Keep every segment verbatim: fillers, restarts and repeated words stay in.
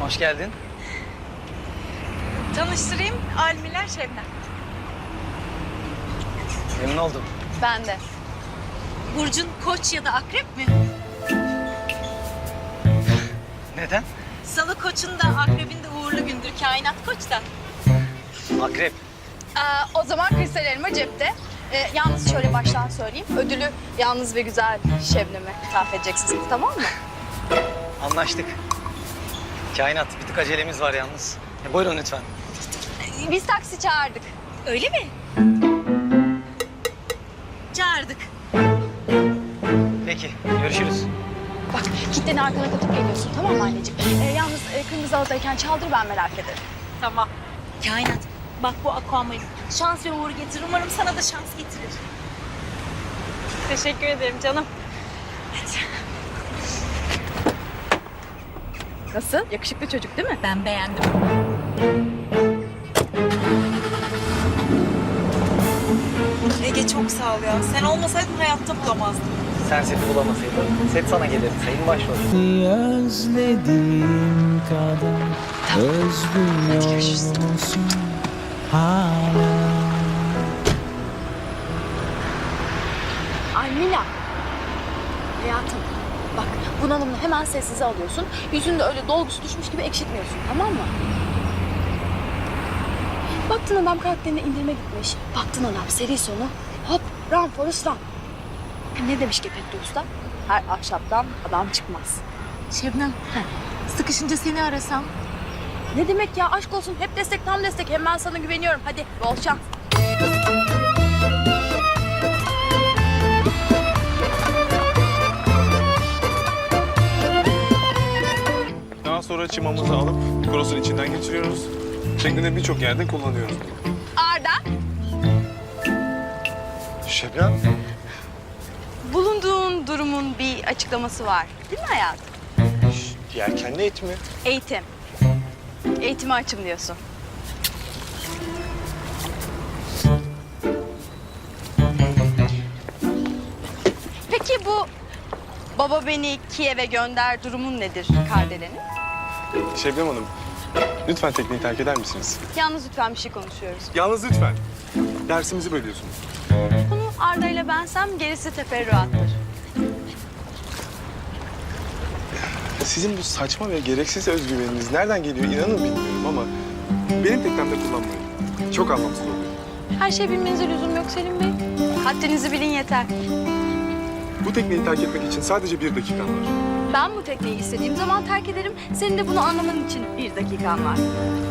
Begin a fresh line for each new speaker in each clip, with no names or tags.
Hoş geldin.
Tanıştırayım, Almiler Şebnem.
Memnun oldum.
Ben de. Burcun Koç ya da Akrep mi?
Neden?
Salı Koç'un da Akrep'in de uğurlu gündür. Kainat Koç da.
Akrep.
Aa, o zaman kristal elma cepte. Ee, yalnız şöyle baştan söyleyeyim. Ödülü yalnız ve güzel Şebnem'e ithaf edeceksiniz, tamam mı?
Anlaştık. Kainat, bir tık acelemiz var yalnız. E, buyurun lütfen.
Ee, Biz taksi çağırdık.
Öyle mi? Çağırdık.
Peki, görüşürüz.
Bak, kitleni arkana katıp geliyorsun, tamam mı anneciğim? Ee, yalnız e, kırmızı halıdayken çaldır, ben merak ederim.
Tamam. Kainat, bak bu aquamarine. Şans ve uğur getirir. Umarım sana da şans getirir. Teşekkür ederim canım.
Nasıl? Yakışıklı çocuk değil mi?
Ben beğendim. Ege çok sağ ol ya. Sen olmasaydın hayatta bulamazdım.
Sen seti bulamasaydın, set sana gelirdi. Sayın başrol.
Özlediğim kadar özlüyor musun hala?
Almila. Hayatım, bak bunalımını hemen sessize alıyorsun. Yüzünde öyle dolgusu düşmüş gibi ekşitmiyorsun, tamam mı? Baktın adam karakterine indirme gitmiş. Baktın adam seri sonu. Hop, run Forrest run. Ne demiş Gepetto Usta? Her ahşaptan adam çıkmaz.
Şebnem, sıkışınca seni arasam.
Ne demek ya, aşk olsun, hep destek tam destek. Hem ben sana güveniyorum. Hadi bol şans.
Daha sonra çimamızı alıp krosun içinden geçiriyoruz. Şeklinde birçok yerde kullanıyoruz.
Arda.
Şebnem,
Bulunduğun durumun bir açıklaması var. Değil mi hayatım?
yelkenli et mi?
Eğitim. Eğitime açım diyorsun. Peki bu baba beni Kiev'e gönder durumun nedir Kardelen'in?
Şebnem Hanım, lütfen tekneyi terk eder misiniz?
Yalnız lütfen bir şey konuşuyoruz.
Yalnız lütfen. Dersimizi bölüyorsunuz.
Bunu Arda ile bensem gerisi teferruattır.
Sizin bu saçma ve gereksiz özgüveniniz nereden geliyor inanın bilmiyorum ama benim teknemde kullanmayın. Çok anlamsız oluyor.
Her şey bilmenize lüzum yok Selim Bey. Haddinizi bilin yeter.
Bu tekneyi terk etmek için sadece bir dakikan var.
Ben bu tekneyi istediğim zaman terk ederim. Senin de bunu anlaman için bir dakikan var.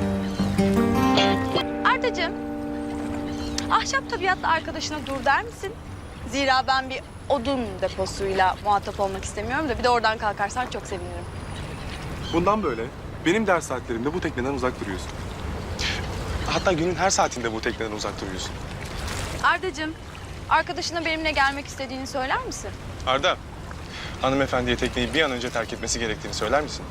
Ardacığım, ahşap tabiatlı arkadaşına dur der misin? Zira ben bir odun deposuyla muhatap olmak istemiyorum da bir de oradan kalkarsan çok sevinirim.
Bundan böyle benim ders saatlerimde bu tekneden uzak duruyorsun. Hatta günün her saatinde bu tekneden uzak duruyorsun.
Ardacığım, arkadaşına benimle gelmek istediğini söyler misin?
Arda, hanımefendiye tekneyi bir an önce terk etmesi gerektiğini söyler misin?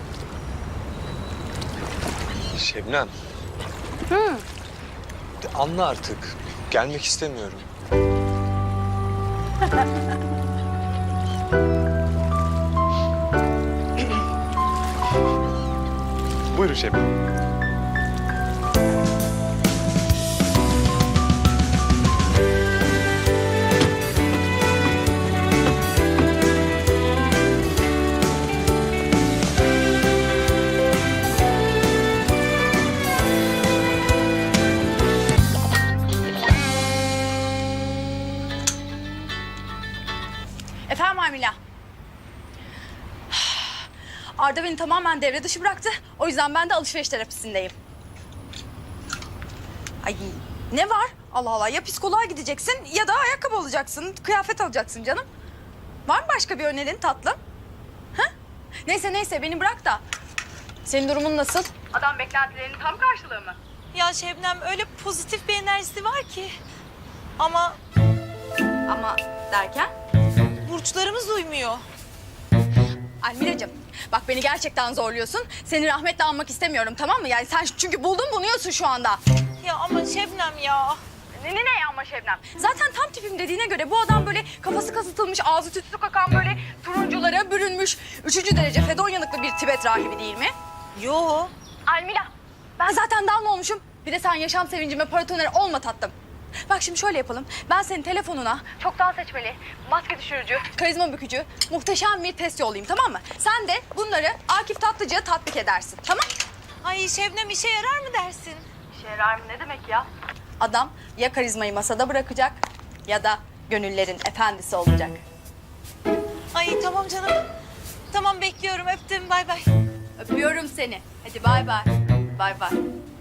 Şebnem.
Hı.
Anla artık. Gelmek istemiyorum.
Buyurun Şebnem.
Efendim Amila. Arda beni tamamen devre dışı bıraktı. O yüzden ben de alışveriş terapisindeyim. Ay ne var? Allah Allah, ya psikoloğa gideceksin ya da ayakkabı alacaksın, kıyafet alacaksın canım. Var mı başka bir önerin tatlım? Ha? Neyse neyse beni bırak da. Senin durumun nasıl? Adam beklentilerinin tam karşılığı mı?
Ya Şebnem öyle pozitif bir enerjisi var ki. Ama
Ama derken?
burçlarımız uymuyor.
Almilacığım bak beni gerçekten zorluyorsun. Seni rahmetle anmak istemiyorum, tamam mı? Yani sen çünkü buldun bunuyorsun şu anda.
Ya ama Şebnem ya.
Ne ne ne ama Şebnem? Zaten tam tipim dediğine göre bu adam böyle kafası kasıtılmış, ağzı tütsü kakan böyle turunculara bürünmüş, üçüncü derece fedon yanıklı bir Tibet rahibi değil mi?
Yo.
Almila, ben zaten down olmuşum. Bir de sen yaşam sevincime paratoner olma tatlım. Bak şimdi şöyle yapalım. Ben senin telefonuna çoktan seçmeli, maske düşürücü, karizma bükücü, muhteşem bir test yollayayım, tamam mı? Sen de bunları Akif Tatlıcı'ya tatbik edersin, tamam?
Ay Şebnem işe yarar mı dersin?
İşe yarar mı ne demek ya? Adam ya karizmayı masada bırakacak ya da gönüllerin efendisi olacak.
Ay tamam canım. Tamam bekliyorum öptüm bay bay.
Öpüyorum seni. Hadi bay bay. Bay bay.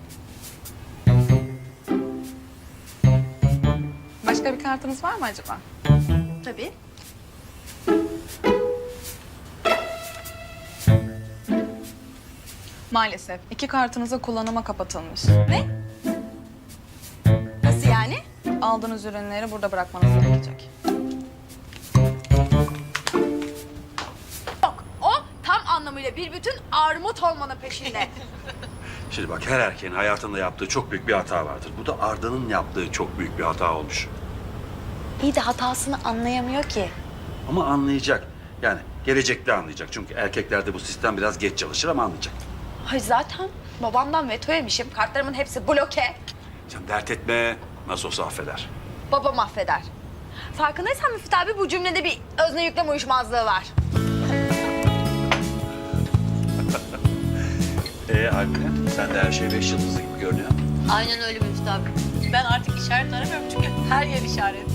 Başka bir kartınız var mı acaba?
Tabii.
Maalesef. iki kartınıza kullanıma kapatılmış.
Nasıl yani?
Aldığınız ürünleri burada bırakmanız gerekecek.
Yok, o tam anlamıyla bir bütün armut olmanın peşinde.
Şimdi bak her erkeğin hayatında yaptığı çok büyük bir hata vardır. Bu da Arda'nın yaptığı çok büyük bir hata olmuş.
İyi de hatasını anlayamıyor ki.
Ama anlayacak. Yani gelecekte anlayacak. Çünkü erkeklerde bu sistem biraz geç çalışır ama anlayacak.
Ay zaten babamdan veto yemişim. Kartlarımın hepsi bloke.
Sen dert etme. Nasıl olsa affeder.
Babam affeder. Farkındaysan Müfit abi bu cümlede bir özne yüklem uyuşmazlığı var.
Ee Alperen, sen de her şey beş yıldızlı gibi görünüyor.
Aynen öyle Müftü abi. Ben artık işaret aramıyorum çünkü her yer işaret.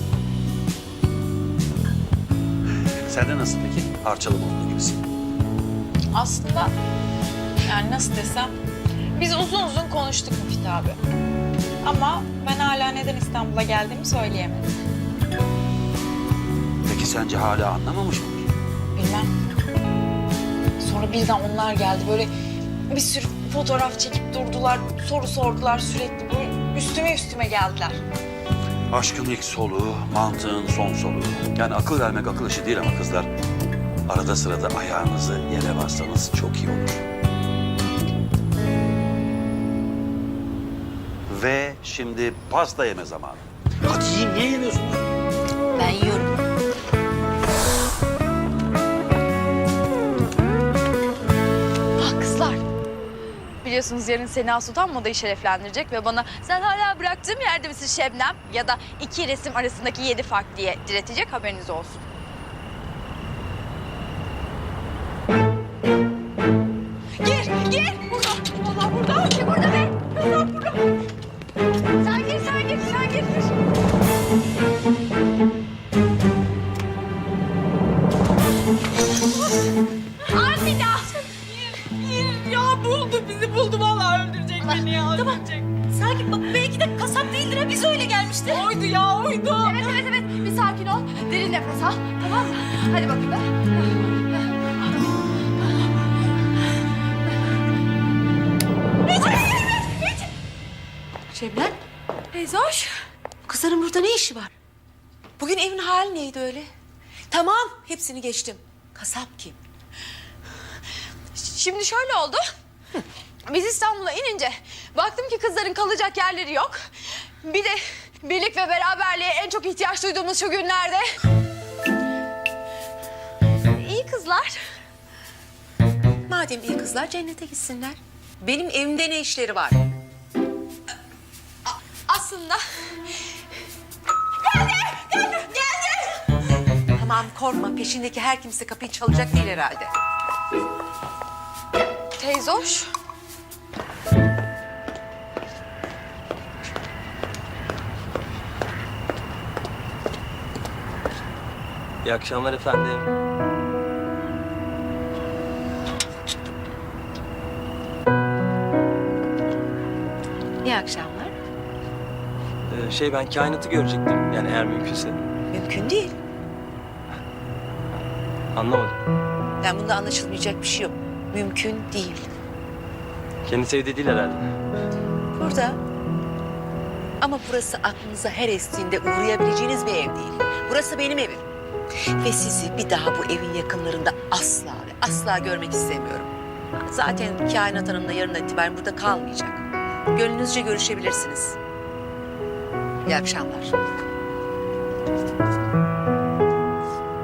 Sen de nasıl peki? Parçalı olduğu gibisin.
Aslında yani nasıl desem biz uzun uzun konuştuk Müftü abi. Ama ben hala neden İstanbul'a geldiğimi söyleyemedim.
Peki sence hala anlamamış mı?
Bilmem. Sonra birden onlar geldi böyle bir sürü fotoğraf çekip durdular, soru sordular sürekli böyle üstüme üstüme geldiler.
Aşkın ilk soluğu, mantığın son soluğu. Yani akıl vermek akıl işi değil ama kızlar. Arada sırada ayağınızı yere bassanız çok iyi olur. Ve şimdi pasta yeme zamanı. Hadi yiyin, niye yemiyorsunuz?
Ben yiyorum.
Ah kızlar. Biliyorsunuz yarın Sena Sultan modayı şereflendirecek ve bana sen hala bıraktığım yerde misin Şebnem? Ya da iki resim arasındaki yedi fark diye diretecek, haberiniz olsun. Gir, gir. Burada. Vallahi burada. Kim burada be? Kızlar burada. Sen gir, sen gir, sen gir. Almila.
Ya buldu bizi buldu vallahi öldürecek beni ya.
Tamam. Sakin bak belki de kasap değildir ha biz öyle gelmişti.
Oydu ya oydu.
Evet, evet, evet. Bir sakin ol. Derin nefes al. Tamam mı? Hadi bakayım.
Şebnem,
Teyze hoş.
kızların burada ne işi var? Bugün evin hali neydi öyle? Tamam, hepsini geçtim. Kasap kim?
Şimdi şöyle oldu. Biz İstanbul'a inince baktım ki kızların kalacak yerleri yok. Bir de birlik ve beraberliğe en çok ihtiyaç duyduğumuz şu günlerde. İyi kızlar.
Madem iyi kızlar cennete gitsinler. Benim evimde ne işleri var?
Aslında
Tamam korkma, peşindeki her kimse kapıyı çalacak değil herhalde.
teyze hoş.
İyi akşamlar efendim.
İyi akşamlar.
Ee, şey ben kainatı görecektim yani eğer mümkünse.
Mümkün değil.
Anlamadım.
Yani bunda anlaşılmayacak bir şey yok. Mümkün değil.
Kendisi evde değil herhalde.
Burada. Ama burası aklınıza her estiğinde uğrayabileceğiniz bir ev değil. Burası benim evim. Ve sizi bir daha bu evin yakınlarında asla ve asla görmek istemiyorum. Zaten Kainat Hanım da yarın itibaren burada kalmayacak. Gönlünüzce görüşebilirsiniz. İyi akşamlar.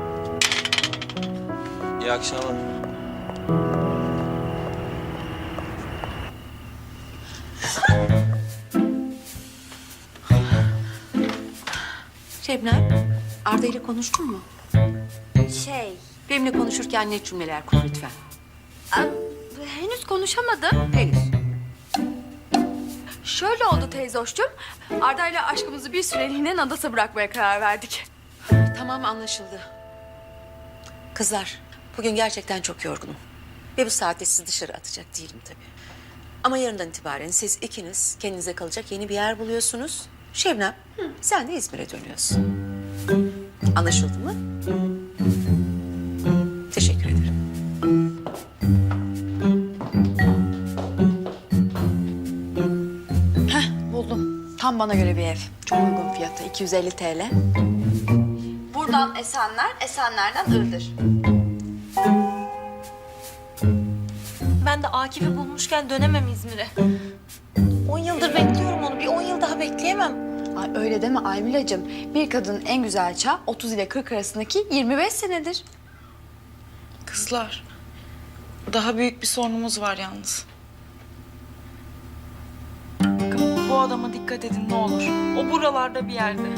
İyi akşamlar.
Şebnem, Arda ile konuştun mu?
Şey,
Benimle konuşurken net cümleler kur lütfen.
em, henüz konuşamadım.
Henüz.
Şöyle oldu teyze hoşçum. Arda ile aşkımızı bir süreliğine Nadas'a bırakmaya karar verdik.
Tamam, anlaşıldı. Kızlar, bugün gerçekten çok yorgunum. Ve bu saatte sizi dışarı atacak değilim tabii. Ama yarından itibaren siz ikiniz kendinize kalacak yeni bir yer buluyorsunuz. Şebnem, sen de İzmir'e dönüyorsun. Anlaşıldı mı? Teşekkür ederim.
Buldum. Tam bana göre bir ev. Çok uygun fiyatı. iki yüz elli T L. Buradan Esenler, Esenler'den Iğdır.
Ben de Akif'i bulmuşken dönemem İzmir'e. On yıldır bekliyorum onu. Bir on yıl daha bekleyemem.
Ay öyle deme Aymilacığım. Bir kadının en güzel çağı otuz ile kırk arasındaki yirmi beş senedir.
Kızlar, daha büyük bir sorunumuz var yalnız. Bakın bu adama dikkat edin ne olur. O buralarda bir yerde.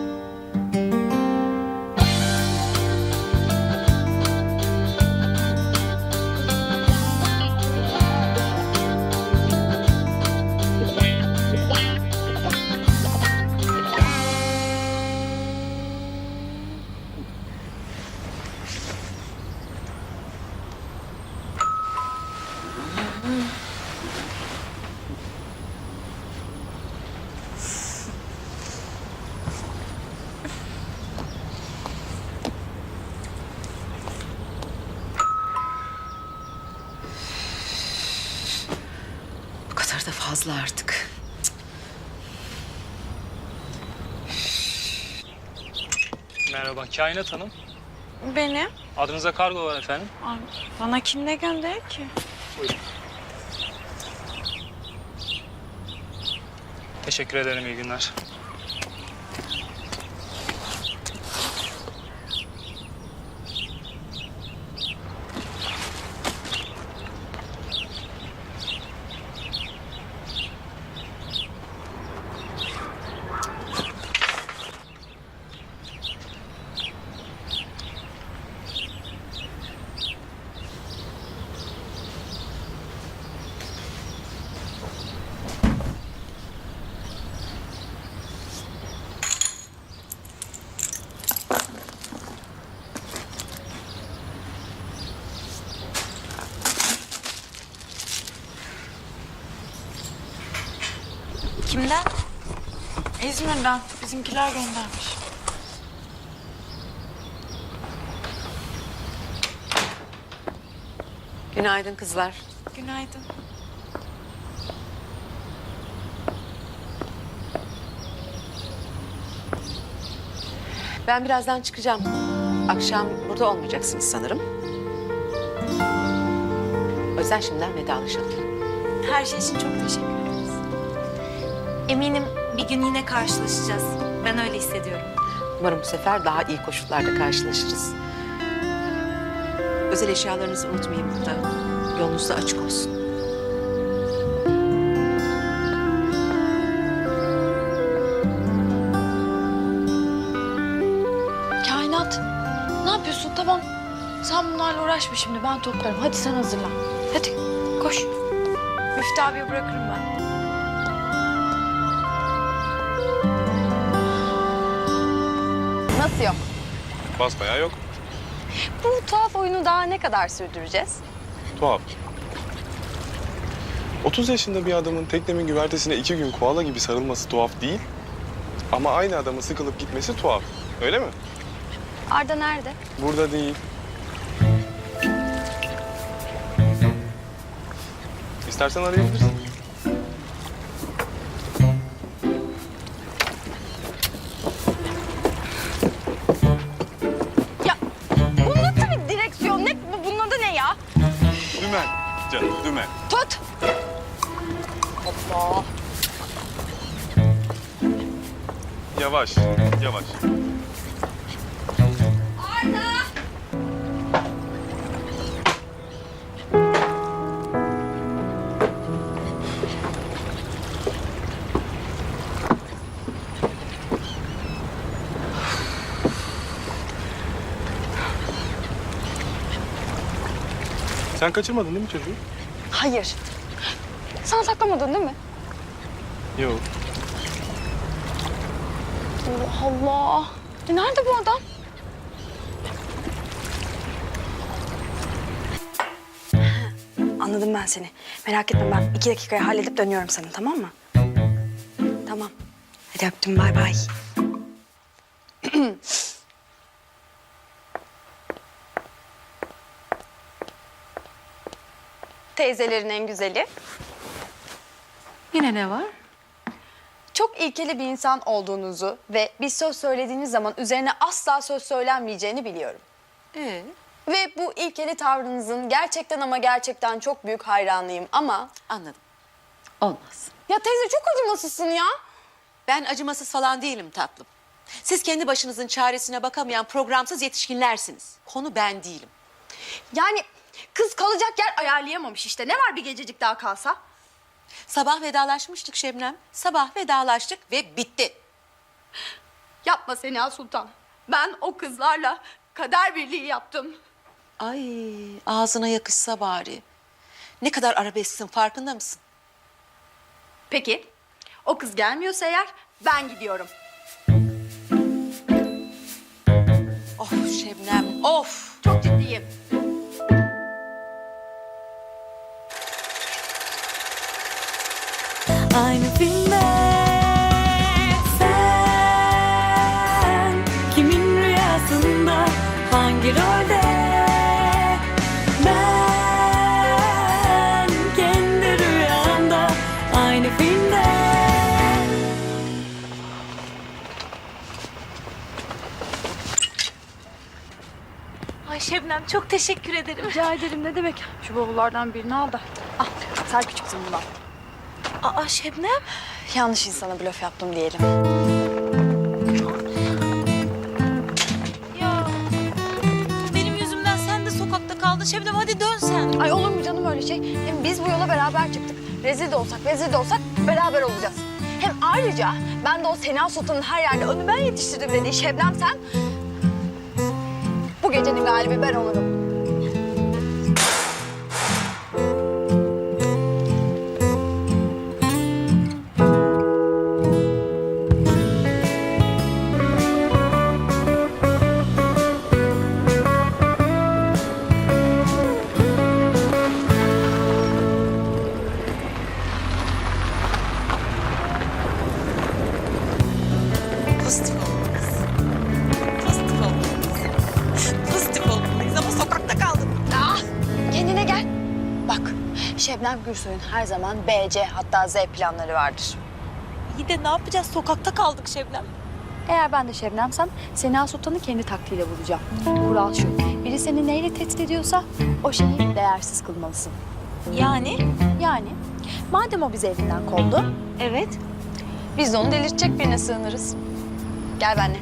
Bu kadar da fazla artık.
Merhaba, Kainat Hanım.
Benim?
Adınıza kargo var efendim.
Ay, bana kim ne gönderir ki?
Teşekkür ederim, iyi günler.
Kimden?
İzmir'den bizimkiler göndermiş.
Günaydın kızlar.
Günaydın.
Ben birazdan çıkacağım. Akşam burada olmayacaksınız sanırım. O yüzden şimdiden vedalaşalım.
Her şey için çok teşekkür ederiz. Eminim bir gün yine karşılaşacağız. Ben öyle hissediyorum.
Umarım bu sefer daha iyi koşullarda karşılaşırız. Özel eşyalarınızı unutmayın burada. Yolunuz da açık olsun.
Kainat, ne yapıyorsun? Tamam. Sen bunlarla uğraşma şimdi. Ben toplarım. Hadi sen hazırlan. Hadi koş. Müftü abiye bırakırım ben. Nasıl yok?
Basbayağı yok.
Bu tuhaf oyunu daha ne kadar sürdüreceğiz?
Tuhaf. otuz yaşında bir adamın teknemin güvertesine iki gün koala gibi sarılması tuhaf değil. Ama aynı adamın sıkılıp gitmesi tuhaf. Öyle mi?
Arda nerede?
Burada değil. İstersen arayabilirsin.
Ya bu nasıl bir direksiyon? Ne, bu- bunun adı ne ya?
Dümen. Canım dümen.
Tut. Allah.
Yavaş, yavaş. Sen kaçırmadın değil mi çocuğu?
Hayır. Sen saklamadın değil mi?
Yok.
Allah Allah. E nerede bu adam? Anladım ben seni. Merak etme, ben iki dakikaya halledip dönüyorum sana, tamam mı? Tamam. Hadi öptüm, bay bay. Teyzelerin en güzeli.
Yine ne var?
Çok ilkeli bir insan olduğunuzu ve bir söz söylediğiniz zaman üzerine asla söz söylenmeyeceğini biliyorum.
Ee?
Ve bu ilkeli tavrınızın gerçekten ama gerçekten çok büyük hayranıyım ama...
Anladım. Olmaz.
Ya teyze çok acımasızsın ya.
Ben acımasız falan değilim tatlım. Siz kendi başınızın çaresine bakamayan programsız yetişkinlersiniz. Konu ben değilim.
Yani kız kalacak yer ayarlayamamış işte. Ne var bir gececik daha kalsa?
Sabah vedalaşmıştık Şebnem. Sabah vedalaştık ve bitti.
Yapma Sena Sultan. Ben o kızlarla kader birliği yaptım.
Ay ağzına yakışsa bari. Ne kadar arabesksin farkında mısın?
Peki o kız gelmiyorsa eğer ben gidiyorum.
Of Şebnem of.
Çok ciddiyim.
Aynı filmde sen kimin rüyasında hangi rolde ben kendi rüyamda aynı filmde. Ay Şebnem çok teşekkür ederim.
Rica ederim, ne demek. Şu bavullardan birini al da. Al sen küçüksün bundan.
Aa Şebnem.
Yanlış insana blöf yaptım diyelim.
Ya benim yüzümden sen de sokakta kaldın Şebnem, hadi dön sen.
Ay olur mu canım öyle şey? Hem biz bu yola beraber çıktık. Rezil de olsak, vezir de olsak beraber olacağız. Hem ayrıca ben de o Sena Sultan'ın her yerde önü ben yetiştirdim dediği Şebnem sen... Bu gecenin galibi ben olurum.
Pozitif olmalıyız. Pozitif olmalıyız. Pozitif olmalıyız ama sokakta kaldım.
Ah, kendine gel. Bak, Şebnem Gürsoy'un her zaman B, C hatta Z planları vardır.
İyi de ne yapacağız, sokakta kaldık Şebnem.
Eğer ben de Şebnem'sem Sena Sultan'ı kendi taktiğiyle bulacağım. Kural şu, biri seni neyle tehdit ediyorsa o şeyi değersiz kılmalısın.
Yani?
Yani madem o bizi evinden kovdu,
Evet.
biz de onu delirtecek birine sığınırız. Gel benimle.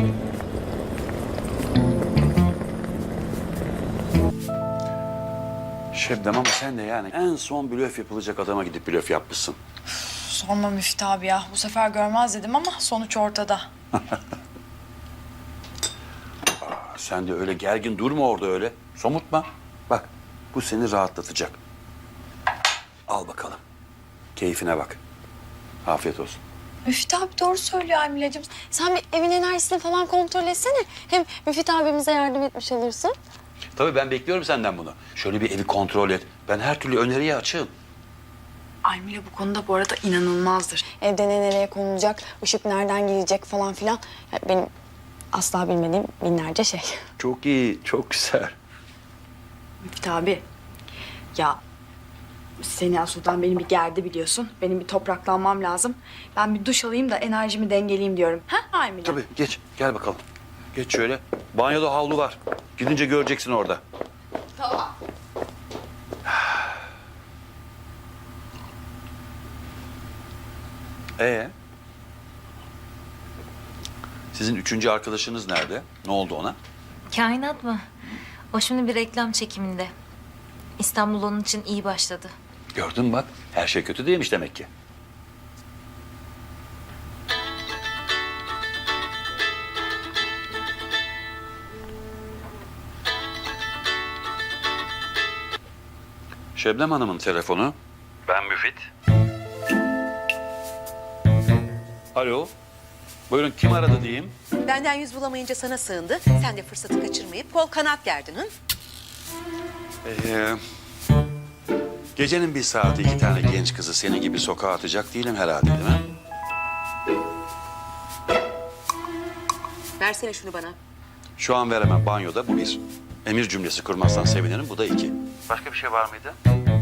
Şebnem ama sen de yani en son blöf yapılacak adama gidip blöf yapmışsın.
Sorma Müftü abi ya. Bu sefer görmez dedim ama sonuç ortada.
Sen de öyle gergin durma orada öyle. Somurtma. Bak bu seni rahatlatacak. Al bakalım. Keyfine bak. Afiyet olsun.
Müfit abi doğru söylüyor Aymile'cim. Sen bir evin enerjisini falan kontrol etsene. Hem Müfit abimize yardım etmiş olursun.
Tabii ben bekliyorum senden bunu. Şöyle bir evi kontrol et. Ben her türlü öneriye açığım.
Aymile bu konuda bu arada inanılmazdır.
Evde ne nereye konulacak, ışık nereden girecek falan filan. Ya benim asla bilmediğim binlerce şey.
Çok iyi, çok güzel.
Müftü abi. Ya Sena Sultan beni bir gerdi biliyorsun. Benim bir topraklanmam lazım. Ben bir duş alayım da enerjimi dengeleyeyim diyorum. Ha Aymile?
Tabii geç, gel bakalım. Geç şöyle. Banyoda havlu var. Gidince göreceksin orada.
Tamam.
Ee? Sizin üçüncü arkadaşınız nerede? Ne oldu ona?
Kainat mı? O şimdi bir reklam çekiminde. İstanbul onun için iyi başladı.
Gördün mü bak, her şey kötü değilmiş demek ki. Şebnem Hanım'ın telefonu. Ben Müfit. Alo. Buyurun, kim aradı diyeyim?
Benden yüz bulamayınca sana sığındı. Sen de fırsatı kaçırmayıp kol kanat gerdin. Hı?
Ee, gecenin bir saati iki tane genç kızı senin gibi sokağa atacak değilim herhalde, değil mi?
Versene şunu bana.
Şu an veremem, banyoda, bu bir. Emir cümlesi kurmazsan sevinirim, bu da iki. Başka bir şey var mıydı?